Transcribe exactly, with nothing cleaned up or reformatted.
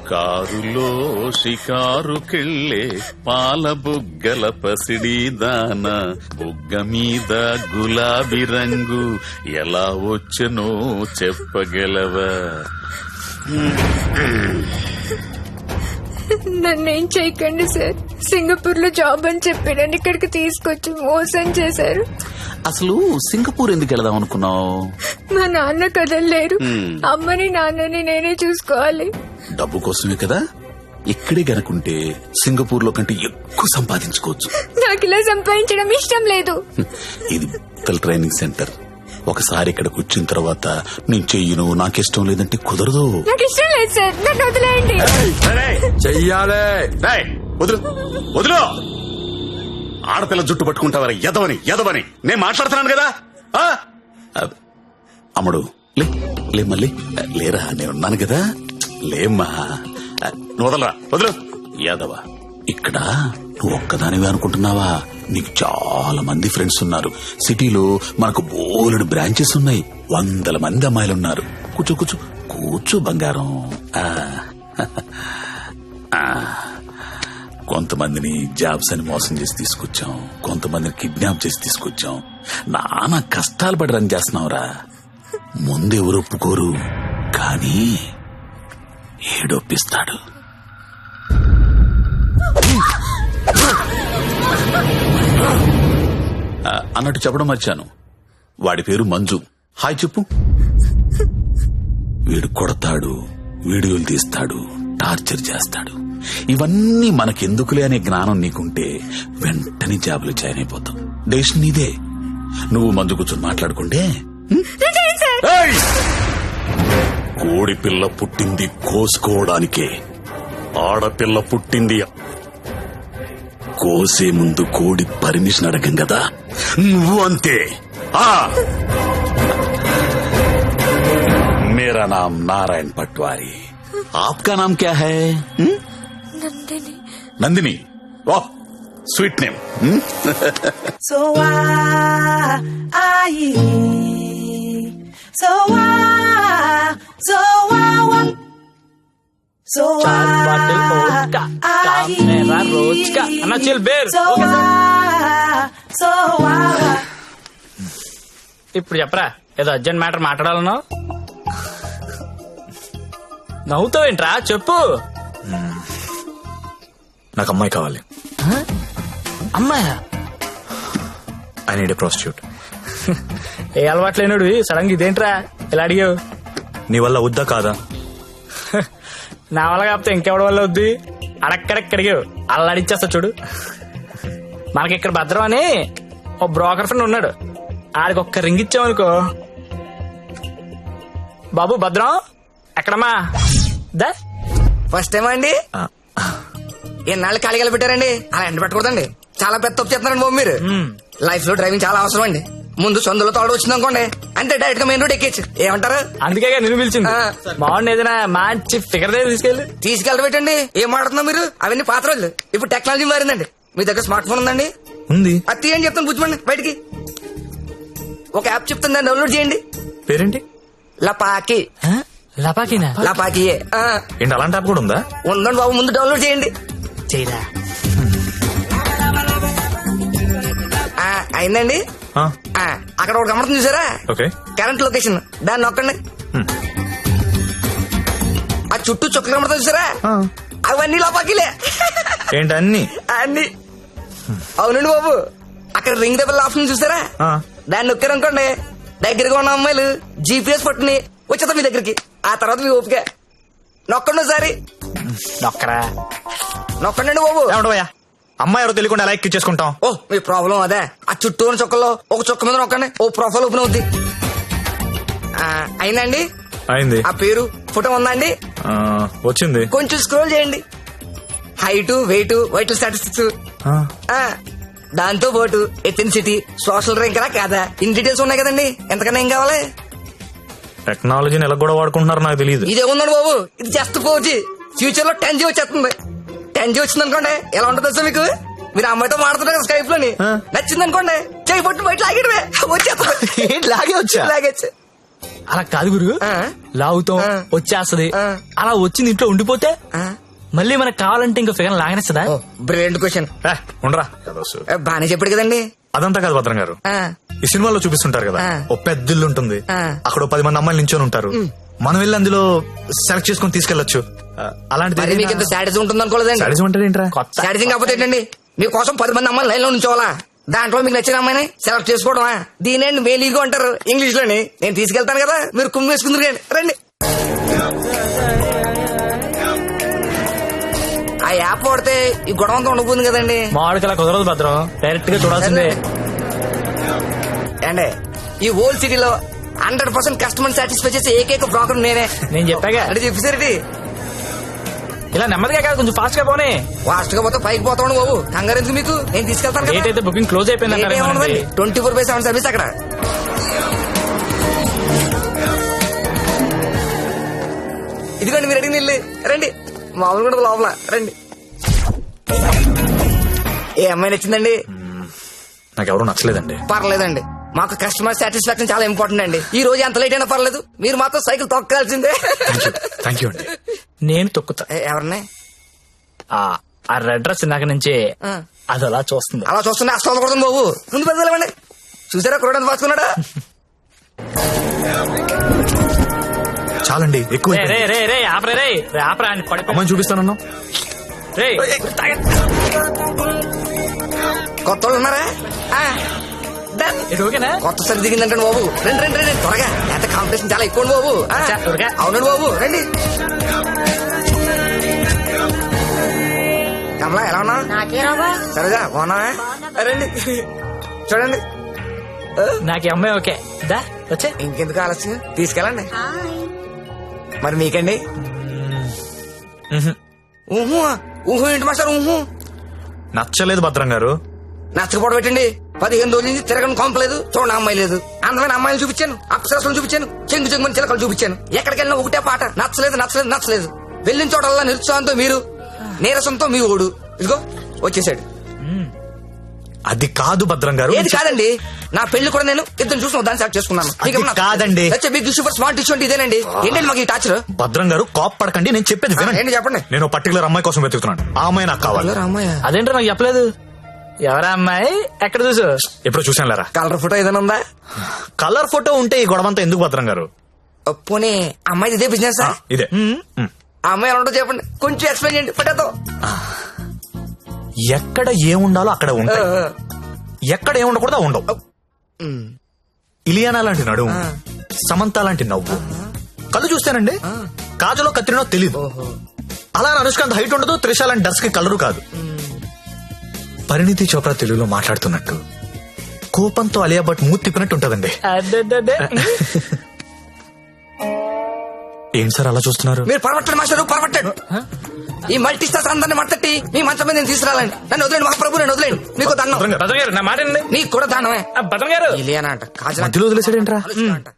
కారులో షికారుకెళ్ళే పాల బుగ్గల పసిడి దాన బుగ్గ మీద గులాబీ రంగు ఎలా వచ్చనో చెప్పగలవా? నన్నేం చేయకండి సార్. సింగపూర్ లో జాబ్ అని చెప్పి నన్ను ఇక్కడికి తీసుకొచ్చి మోసం చేశారు. అసలు సింగపూర్ ఎందుకు వెళదాం అనుకున్నావు? మా నాన్న కదలలేరు. అమ్మని నాన్నని నేనే చూసుకోవాలి. డబ్బు కోసమే కదా. ఇక్కడే గనుకుంటే సింగపూర్ లో కంటే ఎక్కువ సంపాదించుకోవచ్చు. నాకు ఇలా సంపాదించడం ఇష్టం లేదు. ఇది ట్రైనింగ్ సెంటర్. ఒకసారి ఇక్కడ కూర్చున్న తర్వాత నేను చెయ్యను, నాకిష్టం లేదంటే కుదరదు. నాకు ఇష్టం లేదు సార్, నన్ను వదిలేయండి. చెయ్యాలే. వదులు వదులు. ఆడపిల్ల జుట్టు పట్టుకుంటావరా? ఎదవని ఎదవని నేను మాట్లాడుతున్నాను కదా. అమ్ముడు లే లే మళ్ళీ లేరా, నేనున్నాను కదా. లేమ్మా, వదలరా, వదులు. యాదవా, ఇక్కడ నువ్వు ఒక్కదానివే అనుకుంటున్నావా? నీకు చాలా మంది ఫ్రెండ్స్ ఉన్నారు. సిటీలో మనకు బోలెడు బ్రాంచెస్ ఉన్నాయి. వందల మంది అమ్మాయిలున్నారు. కూర్చో కూర్చో కూర్చో బంగారం. కొంతమందిని జాబ్స్ అని మోసం చేసి తీసుకొచ్చాం, కొంతమందిని కిడ్నాప్ చేసి తీసుకొచ్చాం. నానా కష్టాలు పడి రన్ చేస్తున్నావురా. ముందెవరు ఒప్పుకోరు, కానీ ఏడొప్పిస్తాడు. అన్నట్టు చెప్పడం మర్చాను, వాడి పేరు మంజు. హాయ్ చెప్పు. వీడు కొడతాడు, వీడియోలు తీస్తాడు, టార్చర్ చేస్తాడు. ఇవన్నీ మనకెందుకులే అనే జ్ఞానం నీకుంటే వెంటనే జాబులు జాయిన్ అయిపోతాం. డెసిషన్ నీదే. నువ్వు మందు కూర్చొని మాట్లాడుకుంటే. కోడి పిల్ల పుట్టింది కోసుకోవడానికే, ఆడపిల్ల పుట్టింది కోసే ముందు కోడి పర్మిషన్ అడగం కదా. నువ్వు అంతే. मेरा नाम नारायण पटवारी, आपका नाम क्या है? నందిని. नंदिनी, वाह sweet name. So why, so why, so why, so why, रोज का अन्ना चिल बेर. so why. ఇప్పుడు చెప్పరా, ఏదో అర్జెంట్ మ్యాటర్ మాట్లాడాలన్నావు. నవ్వుతావేంట్రా, చెప్పు. నాకు అమ్మాయి కావాలి. అమ్మాయా? I need a prostitute. ఏ అలవాటు లేనుడు సడన్ గా ఇదేంట్రా ఇలా అడిగావు? నీ వల్ల వద్దా కాదా? నా వల్ల కాకపోతే ఇంకెవడి వల్ల వద్ది? అడక్కడక్క అడిగావు, అలా అడిచేస్తా చూడు. మనకి ఇక్కడ భద్రం అని ఓ బ్రోకర్ ఫ్రెండ్ ఉన్నాడు. ఆడికి ఒక్క రింగ్ ఇచ్చామనుకో. బాబు భద్రం ఎక్కడమ్మా? దా ఫస్ట్ టైం అండి. ఎన్నాళ్ళు ఖాళీగా పెట్టారండి, అలా ఎండ పెట్టకూడదండి. చాలా పెద్ద తప్పు చేస్తున్నారండి బాబు మీరు. లైఫ్ లో డ్రైవింగ్ చాలా అవసరం అండి. ముందు సొందులో తోడు వచ్చింది అనుకోండి, అంటే డైరెక్ట్ గా మెయిన్ రోడ్ ఎక్కేచ్చు. ఏమంటారు? అందుకే నేను పిలిచింది. బాగుంది, ఏదైనా మంచి ఫిగర్ దగ్గర తీసుకెళ్ళి తీసుకెళ్ళబెట్టండి. ఏం మాడుతున్నా మీరు? అవన్నీ పాత రోజులు. ఇప్పుడు టెక్నాలజీ మారిందండి. మీ దగ్గర స్మార్ట్ ఫోన్ ఉందండి? ఉంది. అది తీయండి చెప్తాను, బుజ్జిమండి బయటికి. ఒక యాప్ చెప్తాను, దాన్ని డౌన్లోడ్ చేయండి. పేరేంటి? లపాకి. లపాకినా? లపాకి ఏంటి, అలాంటి యాప్ కూడా ఉందా? ఉందండి బాబు, ముందు డౌన్లోడ్ చేయండి. చేయరా అయిందండి. అక్కడ ఒకటి గమనిస్తుంది చూసారా? ఓకే. కరెంట్ లొకేషన్, దాన్ని నొక్కండి. ఆ చుట్టూ చుక్కలు కనబడుతుంది చూసారా? అవన్నీ లోపాకిలే. ఏంటి అన్ని? అన్ని అవునండి బాబు. అక్కడ రింగ్ దెబ్బల ఆప్షన్ చూసారా? దాన్ని నొక్కారనుకోండి, దగ్గరగా ఉన్న అమ్మాయిలు జీపీఎస్ పట్టుని వచ్చేద్దాం మీ దగ్గరికి. ఆ తర్వాత మీ ఓపిక. నొక్కండి ఒకసారి. నొక్కరా నొక్కండి బాబు. ఏమంటావయ్యా, అమ్మాయి ఎవరో తెలియకుండా ఎలా ఎక్కి చేసుకుంటాం? ఓ మీ ప్రాబ్లం అదే. ఆ చుట్టూ ఉన్న చుక్కల్లో ఒక చుక్క మీద నొక్కండి, ఓ ప్రొఫైల్ ఓపెన్ అవుద్ది. అయిందండి? అయింది. ఆ పేరు ఫోటో ఉందా అండి? వచ్చింది. కొంచెం స్క్రోల్ చేయండి. హైట్, వెయిట్, వైటల్ స్టాటిస్టిక్స్, దాంతో పాటు ఎథెన్సిటీ, సోషల్ ర్యాంక్ రా కాదా, ఇన్ డీటెయిల్స్ ఉన్నాయి కదండి. ఎంతకన్నా ఏం కావాలి? టెక్నాలజీని ఎలా కూడా వాడుకుంటున్నారో నాకు తెలియదు. ఇదే ఉందండి బాబు, ఇది జస్ట్ ఫోర్ జీ. ఫ్యూచర్ లో టెన్ జీ వచ్చేస్తుంది. టెన్ జీ వచ్చింది అనుకోండి, ఎలా ఉంటుంది సార్ మీకు? మీరు అమ్మాయితో మాడుతున్నారు స్కైప్ లోని, నచ్చింది అనుకోండి, చేయి పట్టు బయట లాగేటమే వచ్చేస్తుంది. లాగే వచ్చా? లాగేచ్చు. అలా కాదు గురు ఆ. లాగుతాం ఆ. వచ్చేస్తది ఆ. అలా వచ్చింది ఇంట్లో ఉండిపోతే ఆ. మళ్ళీ మనకు కావాలంటే ఇంకా ఫిగర్ లాగనేస్తుందా ఓ బ్రిలియంట్ క్వశ్చన్. ఏ, ఉండరా ఏదో సు- బానే చెప్పాడు కదండి. అదంతా కాదు భద్రం గారు. ఆ. ఈ సినిమాలో చూపిస్తుంటారు కదా ఆ. ఓ పెద్ద ఇల్లు ఉంటుంది, ఆ. అక్కడ ఓ పది మంది అమ్మాయిలు నించొని ఉంటారు, మనం వెళ్ళి అందులో సెలెక్ట్ చేసుకుని తీసుకెళ్లొచ్చు. ఆ, అలాంటిది మరి మీకు ఇంత శాడిజం ఉంటుంది అనుకోలేదండి. సాడిజం అంటే ఏంట్రా? కొత్త శాడిజం కాకపోతే ఏంటండి, మీకోసం పది మంది అమ్మాయిలు లైన్ లో ఉంచోవాలా, దాంట్లో మీకు నచ్చిన అమ్మాయిని సెలెక్ట్ చేసుకోవడమా? దీనేండి మేలీగో అంటారు ఇంగ్లీష్ లోని. నేను తీసుకెళ్తాను కదా, మీరు కుమ్మి వేసుకుందరు కానీ రండి. ఆ యాప్ వాడితే ఈ గొడవ అంతా ఉండబోతుంది కదండి. మామిడికి అలా కుదరదు భద్రం, డైరెక్ట్ గా చూడాల్సిందే. అండి ఈ ఓల్డ్ సిటీలో హండ్రెడ్ పర్సెంట్ కస్టమర్ సాటిస్ఫై చేసే ఏకైక బ్రోకర్ నేనే. నేను చెప్పాగా అంటే చెప్పేసరికి ఇలా నెమ్మదిగా కాదు, కొంచెం ఫాస్ట్ గా పోనీ. ఫాస్ట్ గా పోతే పైకి పోతాను బాబు, కంగారు ఎందుకు మీకు, నేను తీసుకెళ్తాను డేట్ అయితే బుకింగ్ క్లోజ్ అయిపోయింది. Twenty four by seven service అక్కడ. ఇదిగోండి మీరు అడిగిన ఇల్లు, రండి. మామూలు కూడా లోపల రండి. ఏ అమ్మాయి నచ్చిందండి? నాకు ఎవరు నచ్చలేదండి. పర్లేదండి, మాకు కస్టమర్ సాటిస్ఫాక్షన్ చాలా ఇంపార్టెంట్ అండి. ఈ రోజు ఎంత లేట్ అయినా పర్లేదు, మీరు మాత్రం సైకిల్ తొక్కాల్సిందే. థ్యాంక్ యూ అండి. నేను తొక్కుతా. ఏ, ఎవరిని? ఆ ఆ రెడ్ డ్రెస్ ఇందాక నుంచి ఆ. అది అలా చూస్తుంది. అలా చూస్తున్నా అస్తం కొడుతుంది బాబు, ముందు పెద్దలేమండి. చూసారా కురడానికి పాసుకున్నాడా? చాలండి, ఎక్కువ రే రే రే రే ఆపరే రే రే ఆపరా అని పడిపో. అమ్మాయిని చూపిస్తానన్నా. రే కొత్త వాళ్ళు ఉన్నారా? ఆ, done. ఇది ఓకేనా? కొత్త సరి దిగిందంటే బాబు, రండి రండి రండి త్వరగా, ఎంత కాంపిటీషన్ చాలా ఎక్కువ బాబు. ఆ, అచ్చా, త్వరగా. అవునండి బాబు, రండి. కమలా ఎలా ఉన్నా? సరేగా బాగున్నా? రండి చూడండి. నాకు ఈ అమ్మాయి ఓకే. దా వచ్చే. ఇంకెందుకు ఆలస్యం, తీసుకెళ్ళండి. మరి మీకండి? ఊహు ఊహు ఏంటి మాస్టర్? ఊహు నచ్చలేదు భద్రం గారు. నచ్చకపోవడం పెట్టండి. పదిహేను రోజుల నుంచి తిరగని కొంపలేదు, చూడండి అమ్మాయి లేదు. అందమైన అమ్మాయిలు చూపించాను, అప్సరసలు చూపించాను, చెంగు చెంగుని చిలకలు చూపించాను. ఎక్కడికి వెళ్ళినా ఒకటే పాట, నచ్చలేదు నచ్చలేదు నచ్చలేదు. వెళ్ళిన చోటల్లా నిరుత్సాహంతో మీరు, నీరసంతో మీ ఓడు. ఇదిగో వచ్చేసాడు. అది కాదు భద్రం గారు. ఏది కాదండి, నా పెళ్లి కూడా నేను ఇద్దరు చూసిన దాన్ని సెలెక్ట్ చేసుకున్నాను. అది కాదండి. బిగ్ సూపర్ స్మార్ట్ ఇష్యూ అంటే ఇదేనండి. ఏంటండి మాకు ఈ టాచర్? భద్రం గారు కాప్ పడకండి, నేను చెప్పేది వినండి. ఏంటి చెప్పండి. నేను పర్టికులర్ అమ్మాయి కోసం వెతుకుతున్నాను, ఆ అమ్మాయి నాకు కావాలి. అమ్మాయి అదేంటో నాకు చెప్పలేదు. ఎవరా అమ్మాయి? ఎక్కడ చూసు? ఎప్పుడు చూసాను లేరా. కలర్ ఫోటో ఏదైనా ఉందా? కలర్ ఫోటో ఉంటే ఈ గొడవంతా ఎందుకు భద్రం గారు? పోనీ అమ్మాయి ఇదే బిజినెస్? ఇదే. మ్. ఆ అమ్మాయి ఎలా ఉంటుందో చెప్పండి, కొంచెం ఎక్స్ప్లెయిన్ చేయండి ఫోటోతో. ఎక్కడ ఏముండాలో అక్కడ ఉంటాయి, ఎక్కడ ఏముండకూడదో ఉండవు. ఇలియానా లాంటి నడుము, సమంత లాంటి నవ్వు, కళ్ళు చూస్తానండి కాజలో కత్తిరినో తెలీదు. అలా అనుష్కాంత్ హైట్ ఉండదు, త్రిష లాంటి డస్ కి కలరు కాదు. పరిణితి చోప్రా తెలుగులో మాట్లాడుతున్నట్టు, కోపంతో అలియా భట్ మూతి తిప్పినట్టు ఉంటదండి. అడ్డడ్డడ్డే. ఏం సార్ అలా చూస్తున్నారు? మీరు పరమట్టండి మాస్టర్, పరమట్టండి. ఈ మల్టీ స్టార్స్ అందరిని మట్టట్టి మీ మంచం మీద నేను తీసుకురాలండి. నన్ను వదిలేండి మహాప్రభు, నేను వదిలేండి. మీకు దండం. భద్రం గారు నా మాట అండి. నీకు కూడా దానమే. భద్రం గారు ఇలియానా అంట, కాజల్ మధ్యలో వదిలేసాడేంట్రా? అంట.